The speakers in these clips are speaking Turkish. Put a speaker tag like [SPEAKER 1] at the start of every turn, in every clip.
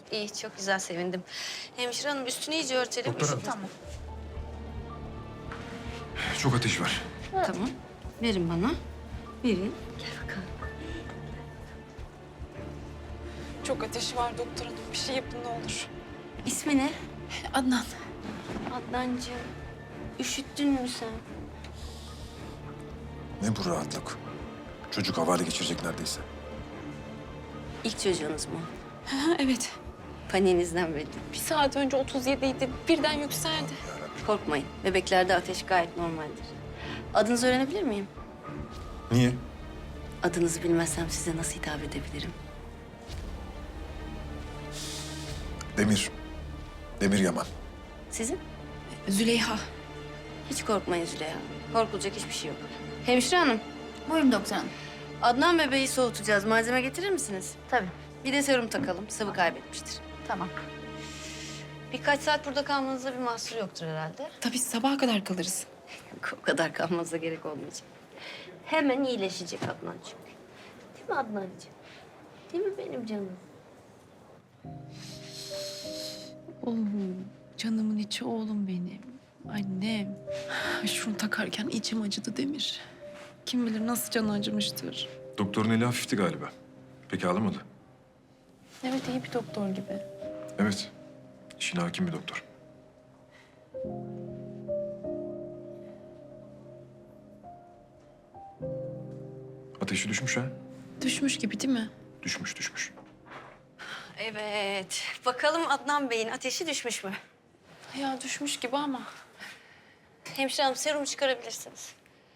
[SPEAKER 1] İyi, çok güzel, sevindim. Hemşire hanım, üstünü iyice örtelim.
[SPEAKER 2] Doktor hanım.
[SPEAKER 1] Tamam.
[SPEAKER 2] Çok ateş var.
[SPEAKER 1] Tamam. Verin bana. Verin. Gel bakalım.
[SPEAKER 3] Çok ateşi var doktor hanım. Bir şey yapın ne olur.
[SPEAKER 1] İsmi ne?
[SPEAKER 3] Adnan.
[SPEAKER 1] Adnancığım. Üşüttün mü sen?
[SPEAKER 2] Ne bu rahatlık? Çocuk havale geçirecek neredeyse.
[SPEAKER 1] İlk çocuğunuz mu?
[SPEAKER 3] Evet.
[SPEAKER 1] Paniğinizden belli.
[SPEAKER 3] Bir saat önce 37 idi. Birden yükseldi.
[SPEAKER 1] Korkmayın. Bebeklerde ateş gayet normaldir. Adınızı öğrenebilir miyim?
[SPEAKER 2] Niye?
[SPEAKER 1] Adınızı bilmezsem size nasıl hitap edebilirim?
[SPEAKER 2] Demir. Demir Yaman.
[SPEAKER 1] Sizin?
[SPEAKER 3] Züleyha.
[SPEAKER 1] Hiç korkmayın Züleyha. Korkulacak hiçbir şey yok. Hemşire hanım,
[SPEAKER 4] Buyurun doktor hanım.
[SPEAKER 1] Adnan bebeği soğutacağız. Malzeme getirir misiniz?
[SPEAKER 4] Tabii.
[SPEAKER 1] Bir de serum takalım. Sıvı kaybetmiştir.
[SPEAKER 4] Tamam.
[SPEAKER 1] Birkaç saat burada kalmanıza bir mahsur yoktur herhalde.
[SPEAKER 3] Tabii sabah kadar kalırız.
[SPEAKER 1] O kadar kalmanıza gerek olmayacak. Hemen iyileşecek Adnan çünkü. Değil mi Adnancığım? Değil mi benim canım?
[SPEAKER 3] Canımın içi oğlum benim. Annem. Şunu takarken içim acıdı Demir. Kim bilir nasıl canı acımıştır.
[SPEAKER 2] Doktorun eli hafifti galiba. Peki ağlamadı?
[SPEAKER 3] Evet iyi bir doktor gibi.
[SPEAKER 2] Evet. İşine hakim bir doktor. Ateşi düşmüş ha?
[SPEAKER 3] Düşmüş gibi değil mi?
[SPEAKER 2] Düşmüş, düşmüş.
[SPEAKER 1] Evet. Bakalım Adnan Bey'in ateşi düşmüş mü?
[SPEAKER 3] Ya düşmüş gibi ama.
[SPEAKER 1] Hemşire hanım, serum çıkarabilirsiniz.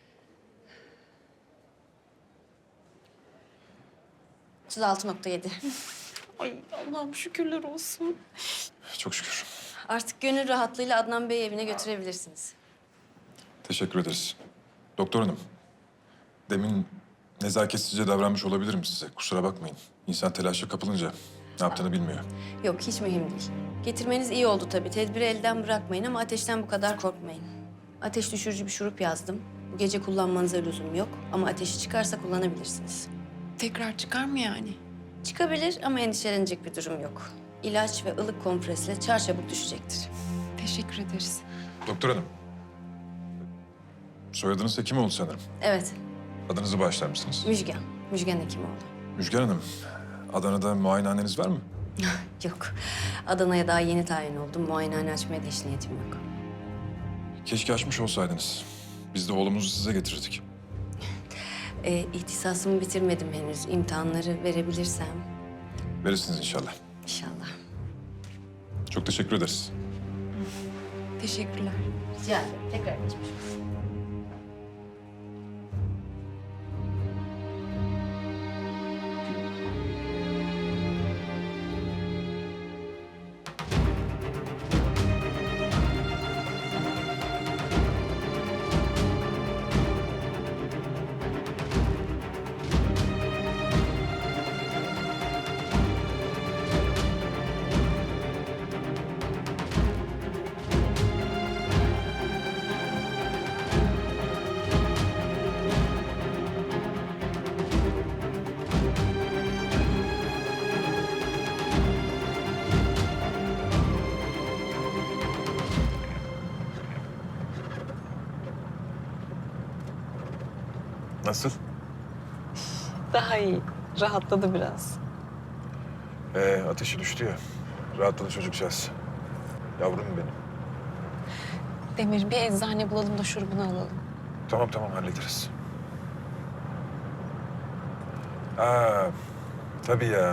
[SPEAKER 1] ...36,7.
[SPEAKER 3] Ay Allah'ım şükürler olsun.
[SPEAKER 2] Çok şükür.
[SPEAKER 1] Artık gönül rahatlığıyla Adnan Bey'i evine götürebilirsiniz.
[SPEAKER 2] Teşekkür ederiz. Doktor hanım, demin nezaketsizce davranmış olabilirim size. Kusura bakmayın. İnsan telaşa kapılınca ne yaptığını bilmiyor.
[SPEAKER 1] Yok, hiç mühim değil. Getirmeniz iyi oldu tabii. Tedbiri elden bırakmayın ama ateşten bu kadar korkmayın. Ateş düşürücü bir şurup yazdım. Bu gece kullanmanıza lüzum yok ama ateşi çıkarsa kullanabilirsiniz.
[SPEAKER 3] Tekrar çıkar mı yani?
[SPEAKER 1] Çıkabilir ama endişelenecek bir durum yok. İlaç ve ılık kompresle çarçabuk düşecektir.
[SPEAKER 3] Teşekkür ederiz.
[SPEAKER 2] Doktor hanım, soyadınız Hekimoğlu sanırım.
[SPEAKER 1] Evet,
[SPEAKER 2] Adınızı bağışlar mısınız?
[SPEAKER 1] Müjgan. Müjgan Hekimoğlu.
[SPEAKER 2] Müjgan Hanım, Adana'da muayenehaneniz var mı?
[SPEAKER 1] Yok, Adana'ya daha yeni tayin oldum. Muayenehane açmaya da hiç niyetim yok.
[SPEAKER 2] Keşke açmış olsaydınız. Biz de oğlumuzu size getirdik.
[SPEAKER 1] İhtisasımı bitirmedim henüz. İmtihanları verebilirsem
[SPEAKER 2] Verirsiniz inşallah.
[SPEAKER 1] inşallah.
[SPEAKER 2] Çok teşekkür ederiz.
[SPEAKER 3] Teşekkürler.
[SPEAKER 1] Rica ederim. Tekrar geçmiş olsun.
[SPEAKER 2] Nasıl?
[SPEAKER 3] Daha iyi. Rahatladı biraz.
[SPEAKER 2] Ateşi düştü ya. Rahatladı çocukcağız. Yavrum benim.
[SPEAKER 3] Demir bir eczane bulalım da şurubunu alalım.
[SPEAKER 2] Tamam tamam hallederiz. Aa, tabii ya.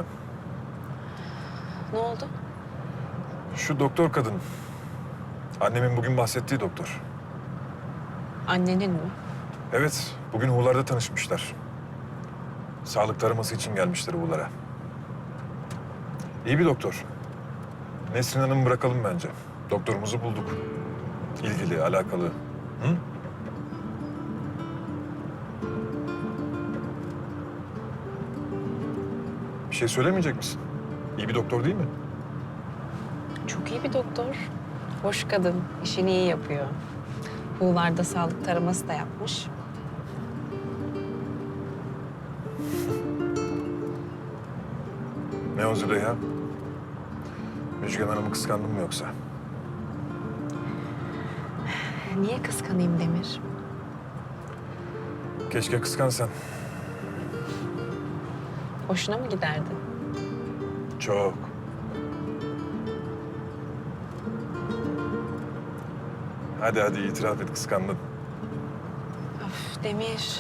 [SPEAKER 3] Ne oldu?
[SPEAKER 2] Şu doktor kadın. Annemin bugün bahsettiği doktor.
[SPEAKER 3] Annenin mi?
[SPEAKER 2] Evet, bugün Huğlar'da tanışmışlar. Sağlık taraması için gelmişler Huğlar'a. İyi bir doktor. Nesrin Hanım'ı bırakalım bence. Doktorumuzu bulduk. İlgili, alakalı. Hı? Bir şey söylemeyecek misin? İyi bir doktor değil mi?
[SPEAKER 3] Çok iyi bir doktor. Hoş kadın. İşini iyi yapıyor. Buğularda sağlık taraması da yapmış.
[SPEAKER 2] Ne o Züleyha? Müjgan Hanım'ı kıskandın mı yoksa?
[SPEAKER 3] Niye kıskanayım Demir?
[SPEAKER 2] Keşke kıskansan.
[SPEAKER 3] Hoşuna mı giderdi?
[SPEAKER 2] Çok. Hadi itiraf et, kıskandın.
[SPEAKER 3] Of Demir.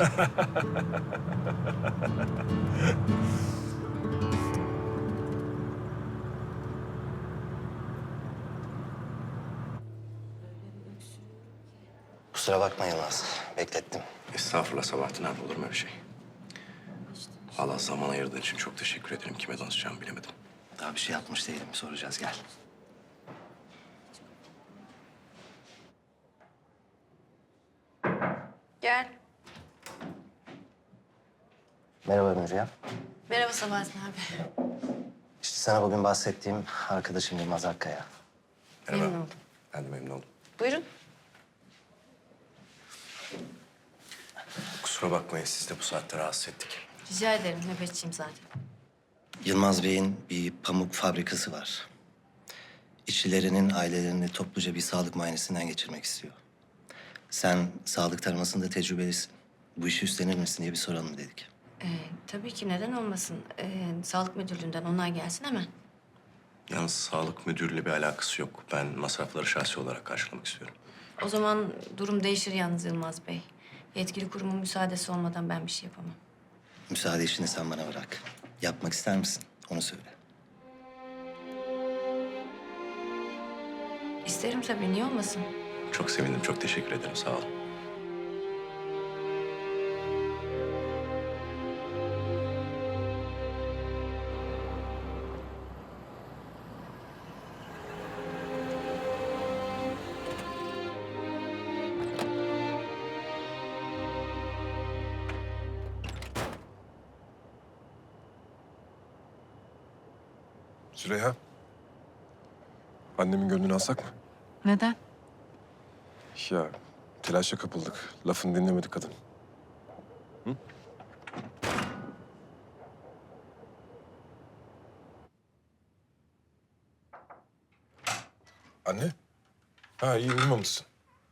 [SPEAKER 4] Kusura bakma Yılmaz. Beklettim.
[SPEAKER 5] Estağfurullah Sabahattin abi, olur mu öyle şey? Allah zaman ayırdığın için çok teşekkür ederim. Kime danışacağımı bilemedim.
[SPEAKER 4] Daha bir şey yapmış değilim. Soracağız, gel.
[SPEAKER 1] Gel.
[SPEAKER 4] Merhaba Müjgan.
[SPEAKER 1] Merhaba Sabahattin abi.
[SPEAKER 4] İşte sana bugün bahsettiğim arkadaşım Yılmaz Akkaya.
[SPEAKER 5] Merhaba.
[SPEAKER 1] Memnun oldum.
[SPEAKER 5] Ben de memnun oldum.
[SPEAKER 1] Buyurun.
[SPEAKER 5] Kusura bakmayın, siz de bu saatte rahatsız ettik.
[SPEAKER 1] Rica ederim. Nöbetçiyim zaten.
[SPEAKER 4] Yılmaz Bey'in bir pamuk fabrikası var. İşçilerinin ailelerini topluca bir sağlık muayenesinden geçirmek istiyor. Sen sağlık taramasında tecrübelisin. Bu işi üstlenir misin diye bir soralım dedik.
[SPEAKER 1] Tabii ki neden olmasın. Sağlık müdürlüğünden onay gelsin hemen.
[SPEAKER 5] Yalnız sağlık müdürüyle bir alakası yok. Ben masrafları şahsi olarak karşılamak istiyorum.
[SPEAKER 1] O zaman durum değişir yalnız Yılmaz Bey. Yetkili kurumun müsaadesi olmadan ben bir şey yapamam.
[SPEAKER 4] Müsaade işini sen bana bırak. Yapmak ister misin? Onu söyle.
[SPEAKER 1] İsterim tabii. Niye olmasın?
[SPEAKER 5] Çok sevindim, çok teşekkür ederim. Sağ olun.
[SPEAKER 2] Züleyha. Annemin gönlünü alsak mı?
[SPEAKER 3] Neden?
[SPEAKER 2] Ya telaşa kapıldık. Lafını dinlemedi kadın. Hı? Anne? Ha, iyi, uyumamışsın.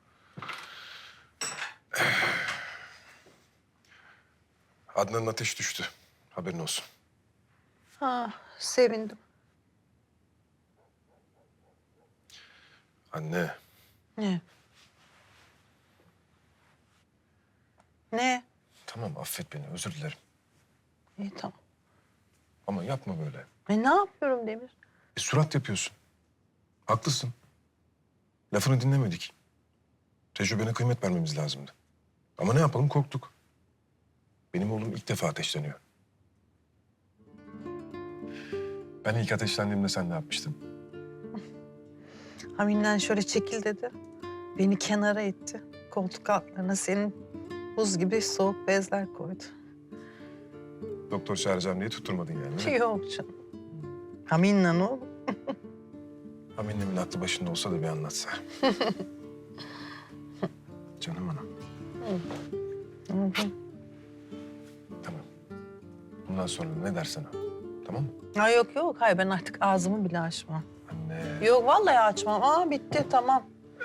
[SPEAKER 2] Adnan'ın ateş düştü. Haberin olsun.
[SPEAKER 6] Ha, sevindim.
[SPEAKER 2] Anne,
[SPEAKER 6] Ne? Ne?
[SPEAKER 2] tamam affet beni, özür dilerim.
[SPEAKER 6] İyi tamam.
[SPEAKER 2] Ama yapma böyle.
[SPEAKER 6] Ne yapıyorum Demir?
[SPEAKER 2] Surat yapıyorsun. Haklısın. Lafını dinlemedik. Tecrübene kıymet vermemiz lazımdı. Ama ne yapalım, korktuk. Benim oğlum ilk defa ateşleniyor. Ben ilk ateşlendiğimde sen ne yapmıştın?
[SPEAKER 6] Haminden şöyle çekil dedi. Beni kenara itti. Koltuk altlarına senin buz gibi soğuk bezler koydu.
[SPEAKER 2] Doktor çağıracağım diye tutturmadın yani, değil mi?
[SPEAKER 6] Yok canım. Haminle ne olur?
[SPEAKER 2] Aminemin aklı başında olsa da bir anlatsa. Canım anam. Tamam. Bundan sonra ne dersen o. Tamam mı?
[SPEAKER 6] Ha, yok. Hayır ben artık ağzımı bile açmam.
[SPEAKER 2] Anne.
[SPEAKER 6] Yok vallahi açmam. Aa bitti tamam.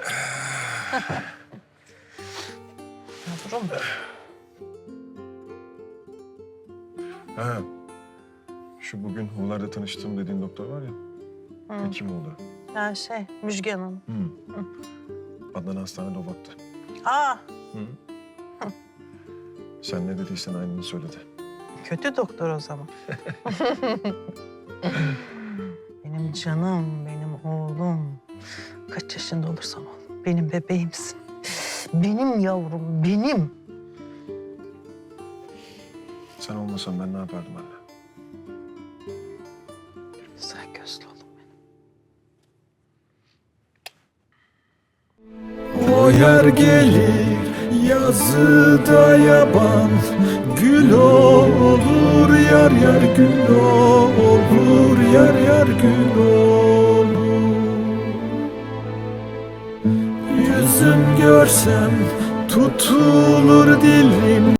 [SPEAKER 6] Yavrum.
[SPEAKER 2] Ha. Şu bugün Huğlar'da tanıştığım dediğin doktor var ya.
[SPEAKER 6] Hı.
[SPEAKER 2] Kim oldu?
[SPEAKER 6] Ya Müjgan Hanım.
[SPEAKER 2] Hı. Adnan hastanede o baktı.
[SPEAKER 6] Aa
[SPEAKER 2] Hı. Sen ne dediysen aynını söyledi.
[SPEAKER 6] kötü doktor o zaman. Benim canım, benim oğlum. Kaç yaşında olursan ol. Benim bebeğimsin. Benim yavrum, benim.
[SPEAKER 2] Sen olmasan ben ne yapardım anne?
[SPEAKER 6] Güzel gözlü oğlum benim.
[SPEAKER 7] O yer gelir yazıda yaban, gül olur yar yar gül olur yar yar gül olur. Yüzüm görsem tutulur dilim.